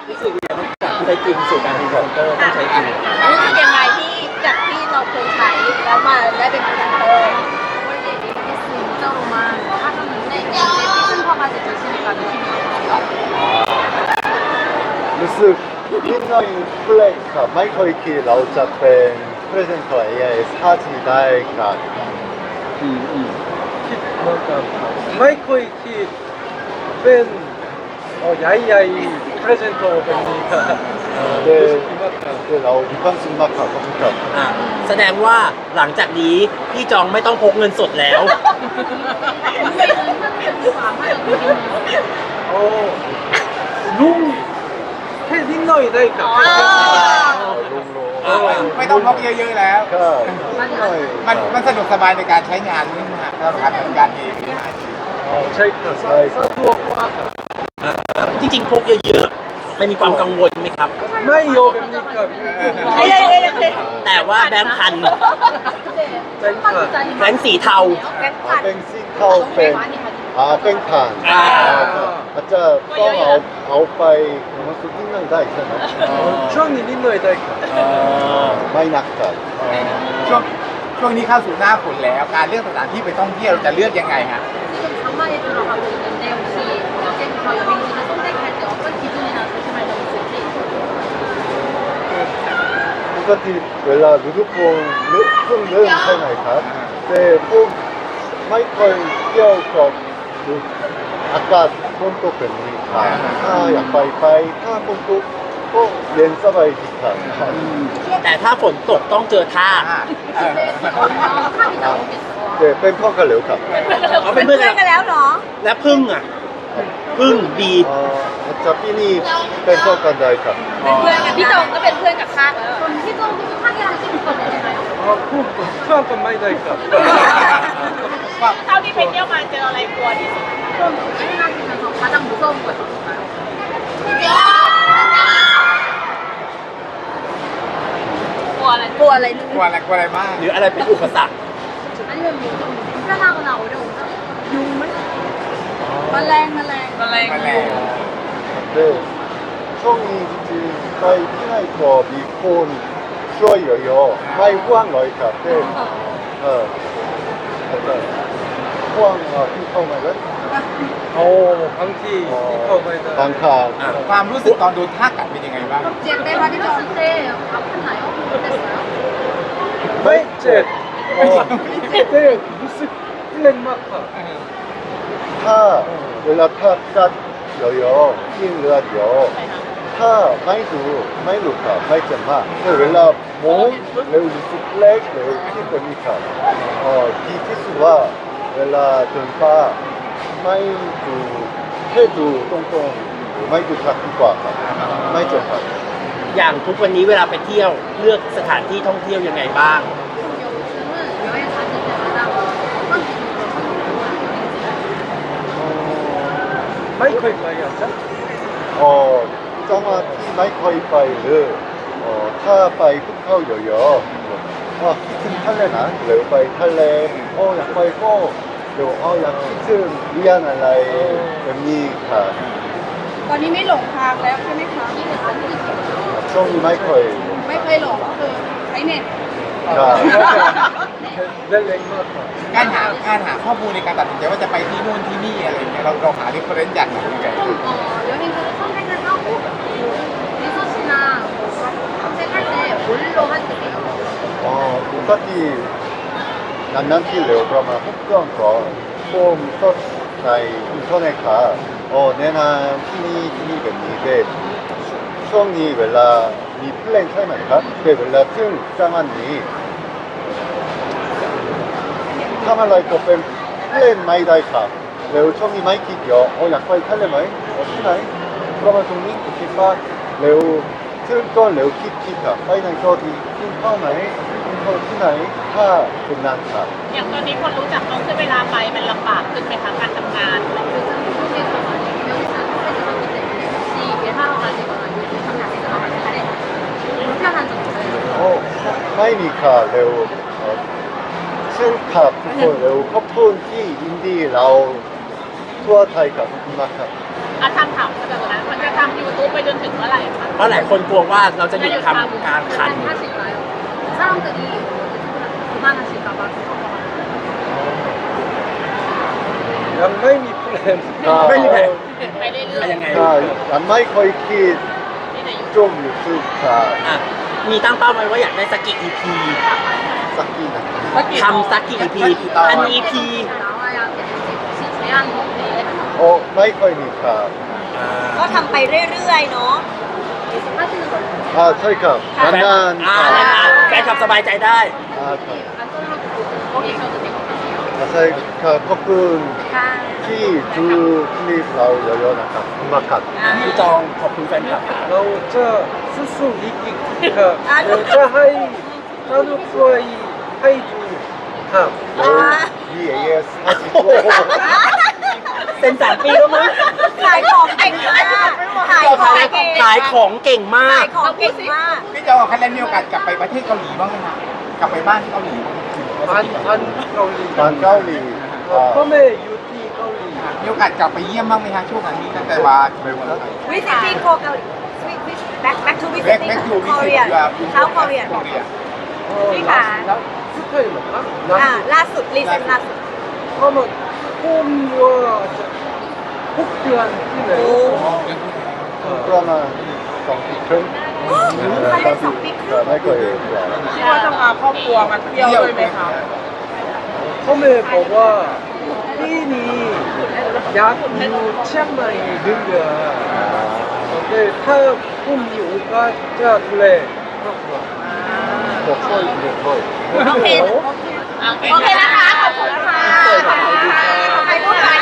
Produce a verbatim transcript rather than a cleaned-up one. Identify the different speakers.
Speaker 1: รู้สึกยังไงจากที่ใช้จริงสู่การเป็นพรีเซนเตอร์ต้องใช้จริง
Speaker 2: รู้สึกยังไงที่จากที่เราเคยใช้แล้วมาได้เป็นพรีเซนเตอร์
Speaker 3: รู้สึกนิดหน่อยเปลกครับไม่เคยคิดเราจะเป็นพรีเซนเตอร์ เอ ไอ เอส ห้า จี ได้ครับอืมอืม
Speaker 4: คิดเหมือนกันครับไม่เคยคิดเป็นเอ๋อใหญ่ๆ presenter แบบนี้ครับ
Speaker 3: เดี๋ยว
Speaker 4: รู้สึกมากครับ
Speaker 3: เดี๋ยวเรามีความสุขมากครับขอบคุณครับ
Speaker 1: อ่ะแสดงว่าหลังจากนี้พี่จองไม่ต้องพกเงินสดแล้ว
Speaker 4: โอ้ลุงแค่นิดหน่อยได้ครับ
Speaker 3: ลุงโล
Speaker 1: อ่า
Speaker 5: ไม่ต้องพกเยอะๆแล้ว
Speaker 3: ก็นิดหน่อย
Speaker 5: มันมันสะดวกสบายในการใช้งานนี่นะฮะสำหรับการทำงานเอง
Speaker 4: อ๋อใช่ครับสะดวกมากครับ
Speaker 1: จริงๆพกเยอะๆมันมีความกังวลไหมครับ
Speaker 4: ไม่เยอะแบบนี้ครับ
Speaker 2: ไม่ได้ไม่ได้
Speaker 1: แต่ว่าแบงค์พัน
Speaker 4: ใช่ครับ
Speaker 1: แบงค์สีเทา
Speaker 2: แบงค์
Speaker 3: อ่า
Speaker 2: พัน
Speaker 3: เป็นซิงเข้าเป็นอ่าเป็นผ่าน
Speaker 1: อ่า
Speaker 3: อาจจะต้องเอาเอาไปมันสุดที่นั่งได้ใช่ไหม
Speaker 4: ช่วงนี้นิดหน่อยได้ครับ
Speaker 3: ไม่หนักครับ
Speaker 5: ช่วงช่วงนี้เข้าสู่หน้าฝนแล้วการเลือกสถานที่ไปท่องเที่ยวเราจะเลือกยังไงฮะ
Speaker 2: 지금 장마에 들어가고 있는데 혹시 어제부터 여행 중에 선택할 때 어떤 기준이나 조심할 점이 있을지?
Speaker 3: ปกติเวลาฤดูฝนเริ่มเพิ่งเริ่มใช่ไหมครับแต่ผมไม่เคยเที่ยวกับอากาศฝนตกแบบนี้ครับถ้าอยากไปไปถ้าฝนตกก็เย็นสบายดีครับ
Speaker 1: แต่ถ้าฝนตกต้องเจอท่า
Speaker 5: อ่าเออ
Speaker 2: 탑이 나오겠어.
Speaker 3: แต่เป็นพ่อกันเหลวครับ
Speaker 1: เขาเป็นเพื่อนกัน
Speaker 2: กันแล้วเหรอ
Speaker 1: และพึ่งอ่ะพึ่งบี
Speaker 3: เอ่ออาจจะพี่นี่เป็นพ่อกันได้ครับ
Speaker 2: เป็นเพื่อนกันพี่จงก็เป็นเพื่อนกับข้าคนที่จงคือข้างยาที่มีคนอะไรไหม
Speaker 4: อ๋อพูดเพื่อนกันไม่ได้ครับ
Speaker 2: เท่าที่ไปเที่ยวมาเจออะไรกลัวที่สุดกลัวไม่น่ากินของ가장무서운거였어요กลัวอะไรกลัวอะไร
Speaker 5: กลัวอะไรกลัวอะไรมาก
Speaker 1: หรืออะไรเป็นอุปสรรค
Speaker 2: 아니면뭐좀불편하거나어려운점용은แมลงแมลงแมลง
Speaker 5: แมลง
Speaker 3: แต่ช่วงนี้จริงๆไปที่ไหนก็มีคนช่วยเยอะๆไม่ว่างเลยครับแต่เอออาจจะว่างอ่ะที่เข้ามาแล้ว
Speaker 4: โอ้บางทีที่เข้าไม่ได้
Speaker 3: บางครั้ง
Speaker 1: อ่ะ
Speaker 5: ความรู้สึกตอนโดนท่ากัดเป็นยังไงบ้าง
Speaker 2: เจ็บไหมคะที่เราเตะอัพขึ้นไหนอ๋อเจ็บแล้ว
Speaker 4: ไม่เจ็บอ๋อแต่รู้สึกเล่นมากครับ
Speaker 3: ถ้าเวลาถ้ากัดเยอะๆกินเลือดเยอะถ้าไม่ดูไม่รู้ครับไม่เจ็บมากแต่เวลามองเร็วรู้สึกเล็กเร็วที่เป็นมีครับเออดีที่สุดว่าเวลาเดินป่าไม่ดูแค่ดูตรงๆหรือไม่ดูทักดีกว่าครับไม่เจ็บครับ
Speaker 1: อย่างทุกวันนี้เวลาไปเที่ยวเลือกสถานที่ท่องเที่ยวยังไงบ้าง
Speaker 2: 요즘은 여행 다닐 때마다 어떤 기준으로 선택을
Speaker 4: ไม่เคยไปอ่ะจ๊ะ
Speaker 3: เออจังหวัดที่ไม่เคยไปหรือเออถ้าไปภูเขาเยอะๆว่าคิดถึงทะเลนะหรือไปทะเลโอ้อยากไปก็เดี๋ยวอ๋ออยากคิดถึงเรียนอะไรแบบนี้ค่ะ
Speaker 2: ตอนนี้ไม่หลงทางแล้วใช่ไหมคะ
Speaker 3: ช่วงนี้ไม่เคย
Speaker 2: ไม่เคยหลงคือใช้เน็ต
Speaker 3: ครับ
Speaker 4: เล่นเล่นมากครับ
Speaker 5: การหาการหาข้อมูลในการตัดสินใจว่าจะไปที่นู่นที่นี่อะไรอย่างเงี้ยเราเราหา reference จากไหนยังไง
Speaker 2: 좀 어, 여행지를 선택을 하고 리서치나 검색할 때 뭘로 하세요?
Speaker 3: อ๋อปกตินานๆที่เร็วประมาณหกเดือนก่อนผมเสิร์ชในอินเทอร์เน็ตค่ะอ๋อแนะนำที่นี่ที่นี่แบบนี้แต่ช่วงนี้เวลามีเพลงใช่ไหมครับแต่เวลาถึงจังหวัดนี้ทำอะไรก็เป็นเพลงไม่ได้ครับแล้วช่วงนี้ไม่คิดเยอะอ๋ออยากไปทะเลไหมอ๋อที่ไหนประมาณตรงนี้คิดว่าเร็วถึงก็เร็วคิดคิดครับไปไหนก็ดีกินข้าวไหนกินข้าวที่ไหนถ้าเป็นนานครับ
Speaker 6: อย่างตอนนี้คนรู้จักน้องขึ้นเวลาไปมันลำบากขึ้นไหมคะการทำงาน
Speaker 2: 요즘 한국에서 많이 여기서 선택을 하기 때문에 혹시 일하러 가시거나 요즘 장난에서 나갈 때 불편한 점 있어요?
Speaker 3: โอ้ไม่มีค่ะเร็วเอ่อซึ่งขับทุกคนเร็วขอบคุณที่อินดี้เราทั่วไทยครับขอบคุณมากครับ
Speaker 2: 어,
Speaker 6: อาทำถามมาจากนั้นมันจะทำยูทูบไปจนถึงเมื่อไหร่คะ
Speaker 1: เพราะหลายคนกลัวว่าเราจะหยุดทำการขัน
Speaker 2: 하실까요? 사람들이 그만하실까 봐 걱정하는
Speaker 4: ยังไม่มีแพลน
Speaker 1: ไม่มีแผน
Speaker 6: ไปเรื่อย
Speaker 1: ยังไง
Speaker 3: 자, 안 마이 거의 키
Speaker 6: ๆที่ในยู
Speaker 3: 좀 유튜브 자,
Speaker 1: อ่ะมีตั้งเป้าไว้ว่าอยากได้สักกี่ อี พี
Speaker 3: 쌓기나.
Speaker 1: ทำสักกี่ อี พี พัน อี พี
Speaker 2: 나와야 되는지 혹시 제한 없이
Speaker 3: 어, 마이 거이니까.
Speaker 7: ก็ทำไปรื่อยๆเนาะ
Speaker 2: 계속 하시는 거예요?
Speaker 3: 아, 저희가
Speaker 1: แฟน
Speaker 3: 만난
Speaker 1: อ่า
Speaker 3: 아,
Speaker 1: นานๆแฟนคลับสบายใจได้
Speaker 3: 아, 저-
Speaker 2: 안 떨어도 거기 계셔도 되거든요.
Speaker 3: 아, 저희가 커플
Speaker 7: ค่ะ
Speaker 3: 키 두 클립 나올 여연아까 음악각.
Speaker 1: พี่จองขอบคุณแฟนคลับ
Speaker 4: เราจะสู้ๆอีกอีกครับเราจะให้สนุกด้วยให้ดูครับ
Speaker 3: 이 에이에스 하시고
Speaker 1: เซ็นสามปีแล้วมั้ง
Speaker 7: ขายของเก่งมากขายของเก่ง
Speaker 1: ขายของเก่งมา
Speaker 7: ขาก ยของเก่งมาก
Speaker 5: พี่โจคะแนนมีโอกาสกลับไปประเทศเกาหลีบ้างไหมคะกลับไปบ้านที่เกาหลีบ้างไหม
Speaker 4: อันอันเกาหลี
Speaker 3: 반가울리.
Speaker 4: พ่อ
Speaker 3: 아,
Speaker 4: แม่อยู่ที่เกาหลี
Speaker 5: มีโอกาสกลับไปเยี่ยมบ้างไหมคะช่วงนี้ตั้งแต่ว่าไปวันไทย
Speaker 7: visiting Ko- เกาหลี back back to
Speaker 5: แบ็ค
Speaker 7: visiting
Speaker 5: แบ็คทูวิสิต
Speaker 7: Korea เช้า Korea
Speaker 5: โคเรีย
Speaker 4: เอ่อ
Speaker 7: พี่ขา
Speaker 4: แล้วสุดท้ายเหรอครับ
Speaker 7: อ่าล่าสุดรีเซนล่าสุด
Speaker 4: เพราะมันผมว่าจะหกเดือนที่ไหน
Speaker 3: 드라마 정피큰.
Speaker 7: เขาเล่นสองปีครึ่ง
Speaker 3: 마이 거예요.
Speaker 6: คิดว่าจะพาครอบครัวมาเที่ยวด้วยไหมคะ
Speaker 4: พ่อแม่บอกว่าปีนี้อยากอยู่เชียงใหม่หนึ่งเดือนแต่ถ้าผมมีโอกาสจะดูแลครอบครัว
Speaker 3: 뭐 거의 뭐 거의.
Speaker 7: โอเค โอเคนะคะ ขอบคุณนะคะขอบคุณค่ะขอบคุณค่ะ